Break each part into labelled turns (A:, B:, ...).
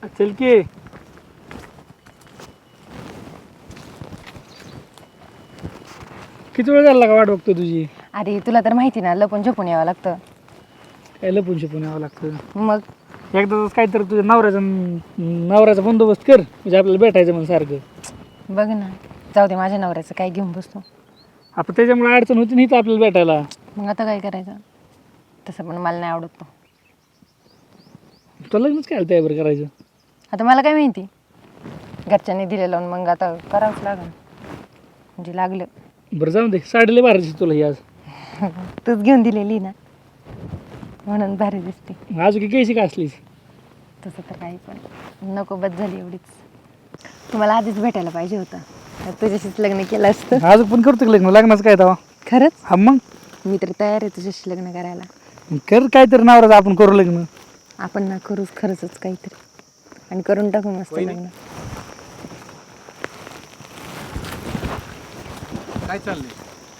A: चल की किती वेळ झाला का वाट बघतो तुझी?
B: अरे तुला तर माहिती ना, लपून झोपून यावं लागतं.
A: काय लपून शिपून यावं लागतं.
B: मग
A: एकदा काहीतरी तुझ्या नवऱ्याचा बंदोबस्त कर, म्हणजे आपल्याला भेटायचं म्हणून सारखं.
B: बघ ना, जाऊ दे, माझ्या नवऱ्याचं काय घेऊन बसतो.
A: आपण त्याच्यामुळे अडचण होती नाही तर आपल्याला भेटायला.
B: मग आता काय करायचं? तसं पण मला नाही आवडत तो.
A: तुला लग्नच काय तयार करायचं?
B: आता मला काय माहिती, घरच्यांनी दिले लावून, मग आता करावंच लागेल. म्हणजे लागलं.
A: बरं जाऊ दे, साडी लय भारी दिसते तुला ही आज.
B: तूच घेऊन दिलेली ना, म्हणून भारी दिसते.
A: आज की कैसी का असलीस?
B: तसं तर काही पण नको, बस झाली एवढीच. तुम्हाला आधीच भेटायला पाहिजे होतं, तर तुझ्याशीच लग्न केलं असतं.
A: आज पण करतो की लग्न? लग्नाचं काय तेव्हा?
B: खरंच
A: हा मग
B: मी तर तयार आहे तुझ्याशी लग्न करायला.
A: कर काहीतरी नवऱ्याचं आपण करू लग्न.
B: आपण ना करूच खरंच काहीतरी, आणि करून टाकू मस्त लग्न.
C: काय चाललंय?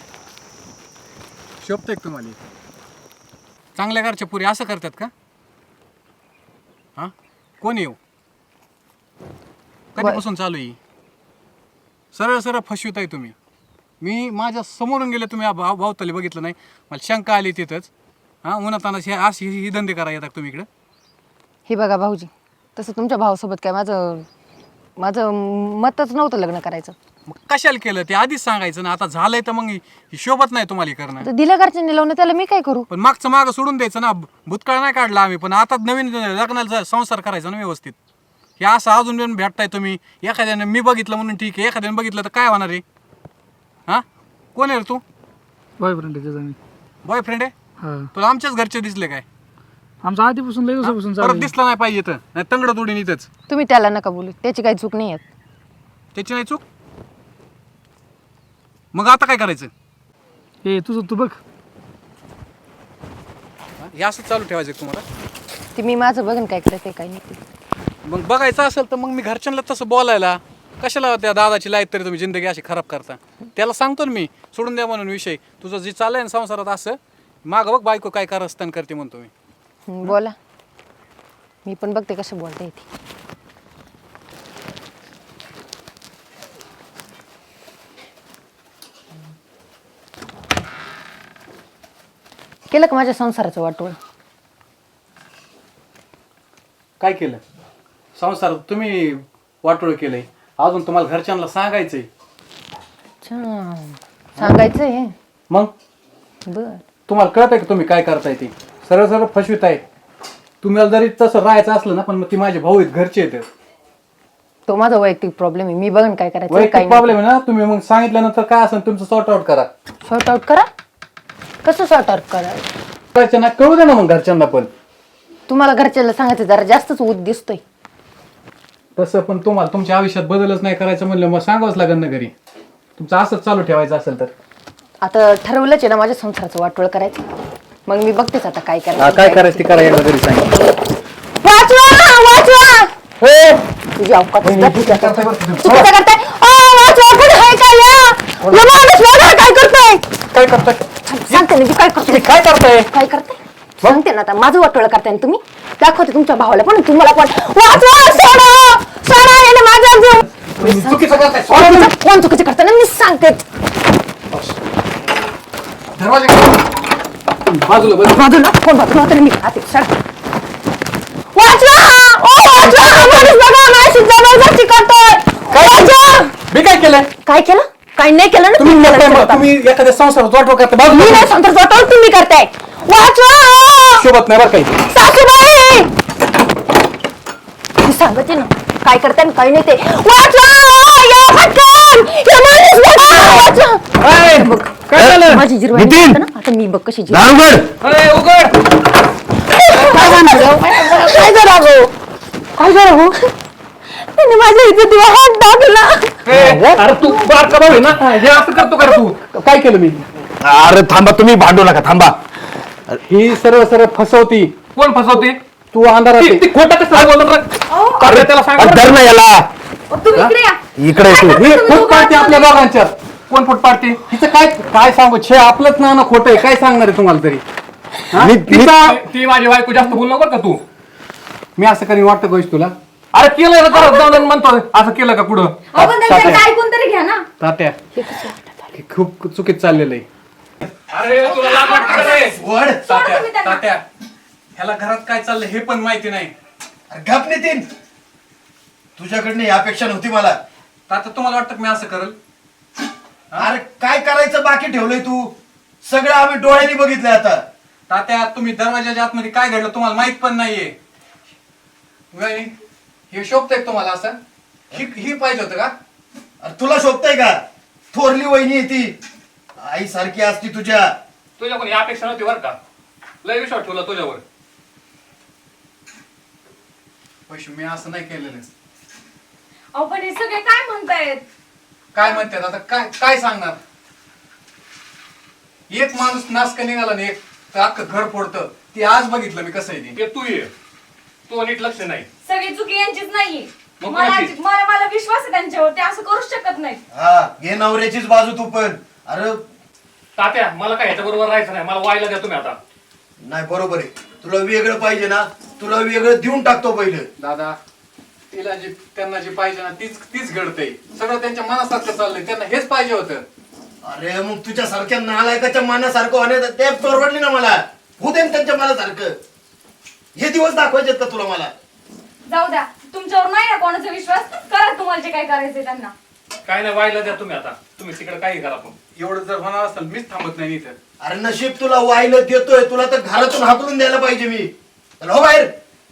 C: शोभतंय का तुम्हाला? चांगल्या घरच्या पुरी असं करतात का? हां, कोण येऊ? कधीपासून चालू आहे? सरळ सरळ फसवित आहे तुम्ही. मी माझ्या समोरून गेले, तुम्ही भावताली बघितलं नाही, मला शंका आली तिथंच. हां, उन्हातानाच अशी ही धंदे करा येतात तुम्ही इकडं.
B: हे बघा भाऊजी, तसं तुमच्या भावासोबत काय माझं मतच नव्हतं लग्न करायचं.
C: मग कशाला केलं ते आधीच सांगायचं ना. आता झालंय तर मग ही शोभत नाही तुम्हाला करणं.
B: तर दिलं घरच्यांनी लावून, त्याला मी काय करू?
C: पण मागचं मागं सोडून द्यायचं ना. भूतकाळ नाही काढला आम्ही, पण आता नवीन लग्नाला संसार करायचा ना व्यवस्थित. हे असं अजून पण भेटताय तुम्ही. एखाद्याने मी बघितलं म्हणून ठीक आहे, एखाद्याने बघितलं तर काय होणार आहे? हां, कोण आहे रे तू?
A: बॉयफ्रेंड आहे त्याचा मी.
C: बॉयफ्रेंड आहे?
A: हा,
C: तुला आमच्याच घरचे दिसले काय?
A: आमचा आधीपासून लय दिवसापासून
C: परत
A: चालू.
C: दिसला नाही पाहिजे तर नाही तंगड तोडीन इथंच.
B: तुम्ही त्याला नका बोलू, त्याची काही चूक नाही आहे.
C: त्याची नाही चूक. मग आता काय करायचं?
A: ए तुझं तू बघ.
C: हे असं चालू ठेवायचं का तुम्हाला?
B: ते मी माझं बघन काय करते काय नाही ते.
C: मग बघायचं असेल तर मग मी घरच्यांना तसं बोलायला कशाला त्या दादाची लाईफ तरी तुम्ही जिंदगी अशी खराब करता. त्याला सांगतो ना मी, सोडून द्या म्हणून विषय. तुझं जे चाललंय ना संसारात असं, मागं बघ बायको काय कारस्थान करते म्हणतो मी.
B: बोला, मी पण बघते कसं बोलते इथे. केलं का माझ्या संसाराचं वाटोळ?
C: काय केलं? संसार तुम्ही वाटोळ केलंय. अजून तुम्हाला घरच्यांना सांगायचंय.
B: अच्छा, सांगायचंय.
C: मग
B: बर,
C: तुम्हाला कळत आहे का तुम्ही काय करताय ते? सरळ सरळ फसवित आहे. तुम्हाला जरी तसं राहायचं असलं ना, पण मग ती माझे भाऊ आहेत, घरचे आहेत.
B: तो माझा वैयक्तिक प्रॉब्लेम आहे, मी बघन काय करायचं.
C: वैयक्तिक प्रॉब्लेम आहे ना. तुम्ही मग सांगितल्यानंतर काय असेल तुमचं सॉर्ट आउट करा.
B: सॉर्ट आउट करा? कसं सॉर्ट आउट करा?
C: घरच्यांना कळू दे ना मग घरच्यांना पण.
B: तुम्हाला घरच्याला सांगायचं जरा जास्तच उद दिसतोय.
C: तसं पण तुम्हाला तुमच्या आयुष्यात बदलच नाही करायचं म्हणलं मग सांगावंच लागेल ना घरी. तुमचं असंच चालू ठेवायचं असेल तर.
B: आता ठरवलंच आहे ना माझ्या संसाराचं वाटोळ करायचं. मग मी बघतेच आता काय करायचं.
C: काय करायचं ते करा, एकदा घरी सांगा.
B: वाचवा वाचवा, तुझी अवकात चुकीचं करताय. वाचवा, कुठे आहे काय या? माणूस बघा काय करतोय.
C: काय करताय?
B: सांगते ना, काय करतोय?
C: काय करताय?
B: काय करताय सांगते ना. आता माझं वाटोळ करताय ना तुम्ही. दाखवते तुमच्या भावाला पण, तुम्हाला पण. वाचवा, सोडा सोडा, याने माझा जीव.
C: चुकीचं करताय.
B: कोण चुकीचं करताय ना, मी सांगते.
C: दरवाजा बाजूला
B: बाजूला कोण? बाजूला होतं ना, मी खाते. सडा, वाचवा. वाचवा, माणूस बघा माझी जबरदस्ती करतोय. वाचवा.
C: मी काय केलंय?
B: काय केलं? काय नाही केलं ना तुम्ही.
C: तुम्ही एखाद्या संसारात वाटव करता.
B: मी नाही संसार वाटोळ तुम्ही करताय. वाचवा.
C: शोभत नाही बरं काही.
B: सासूबाई, मी सांगते ना काय करताय आणि काय नाही ते. वाचवा, या पटकन. या माणूस बघा, वाचवा. बघ,
C: काय झालं?
B: माझी जिरवाई
D: नितीन!
B: ना, आता मी बघ कशी जिरवाई.
D: दारुगड
C: उघड.
B: काय झालं? काय झालं गो? काय झालं हो? त्याने माझ्या इज्जतीवर हात टाकला.
C: अरे तू बारका भाऊ आहे ना, हे असं करतो का रे तू? काय केलं मी?
D: अरे थांबा, तुम्ही भांडू नका, थांबा.
C: ही सरळ सरळ फसवती. कोण फसवते? तू अंधारात. खोटं कसं बोलत?
D: अरे
C: त्याला सांग.
D: धर ना याला.
B: तुम्ही इकडे या.
D: इकडे तू.
C: ही फूट पाडते आपल्या दोघांच्यात. कोण फूट पाडते? हिचं काय काय सांगू? छे आपलंच ना खोटं आहे. काय सांगणार आहे तुम्हाला तरी?
D: ती
C: ती माझी बायको जास्त बोलू नको का तू. मी असं करीन वाटतं गोष्ट तुला? अरे केलं ना परत जाऊन म्हणतो असं केलं का कुठं
B: आपण त्यांच्याकडे ऐकून तरी घ्या ना.
C: तात्या हे खूप चुकीत चाललेलं आहे. अरे तुला लाज वाटते का रे?
E: वड
C: तात्या
B: तुम्ही त्यांना.
C: तात्या ह्याला घरात काय चाललंय हे पण माहिती नाही.
E: अरे गप नितीन, तुझ्याकडनं ही अपेक्षा नव्हती मला.
C: तात्या तुम्हाला वाटतं की मी असं करल?
E: अरे काय करायचं बाकी ठेवलंय तू? सगळं आम्ही डोळ्यांनी बघितलंय आता.
C: तात्या तुम्ही दरवाजाच्या आतमध्ये काय घडलं तुम्हाला माहित पण नाहीये. वय, हे शोभतंय का तुम्हाला असं? ही पाहिजे होतं का?
E: अरे तुला शोभतय का? थोरली वहिनी आहे ती, आई सारखी असती तुझ्या.
C: तुझ्या कोणी अपेक्षा नव्हती बरं का? लय विश्वास ठेवला तुझ्यावर. पैसे मी असं नाही केलेलं.
B: अहो पण हे सगळे काय म्हणतायत?
C: काय म्हणतात आता काय काय सांगणार? एक माणूस नासका निघाला ना एक तर अख्खं घर फोडतं. ते आज बघितलं मी कसं आहे ते. तू ये तू नीट लक्ष नाही.
B: सगळी चुकी यांचीच नाहीये.
C: मग
B: मला
C: कोणाची?
B: मला मला विश्वास आहे त्यांच्यावर, ते असं करूच शकत नाहीत.
E: हा घे नवऱ्याचीच बाजू तू पण. अरे
C: तात्या मला काय ह्याच्या बरोबर राहायचं नाही. मला व्हायला द्या तुम्ही आता.
E: नाही बरोबर आहे, तुला वेगळं पाहिजे ना, तुला वेगळं देऊन टाकतो पहिलं.
C: दादा तिला जे त्यांना जे पाहिजे ना तीच तीच घडतंय. सगळं त्यांच्या मनासारखं चाललंय. त्यांना हेच पाहिजे होतं.
E: अरे मग तुझ्या सारख्या नालायकाच्या मनासारखं होण्याचं ते परवडली ना मला. होऊ दे ना त्यांच्या मनासारखं. हे दिवस दाखवायचे का तुला मला?
B: जाऊ द्या, तुमच्यावर नाही ना कोणाचा विश्वास. करा तुम्हाला जे काय करायचंय त्यांना.
C: काय नाही व्हायला द्या तुम्ही आता. तुम्ही तिकडे काही करा पण एवढं जर होणार असेल मीच थांबत नाही इथं.
E: अरे नशीब तुला वाहिलं देतोय, तुला तर घरातून हाकलून द्यायला पाहिजे मी. चल हो बाहेर.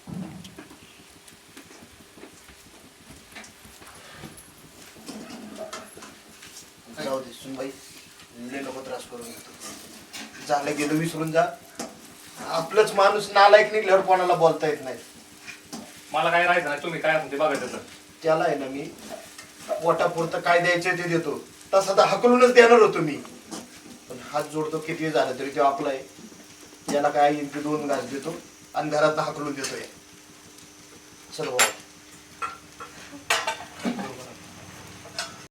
E: जाऊ दे सुनबाई, लय नको त्रास करून घेतो. झालं गेलं विसरून जा. आपलंच माणूस नालायक निघल्यावर कोणाला बोलता येत नाही.
C: मला काय राहायचं नाही. तुम्ही काय म्हणते बघायचं तर.
E: त्याला आहे ना मी पोटापुरतं काय द्यायचं ते देतो. तसं तर हकलूनच देणार होतो मी, पण हात जोडतो किती झालं तरी तो आपला आहे. याला काय येईल ते 2 घास देतो आणि घरात हकलून देतोय. चल भाऊ.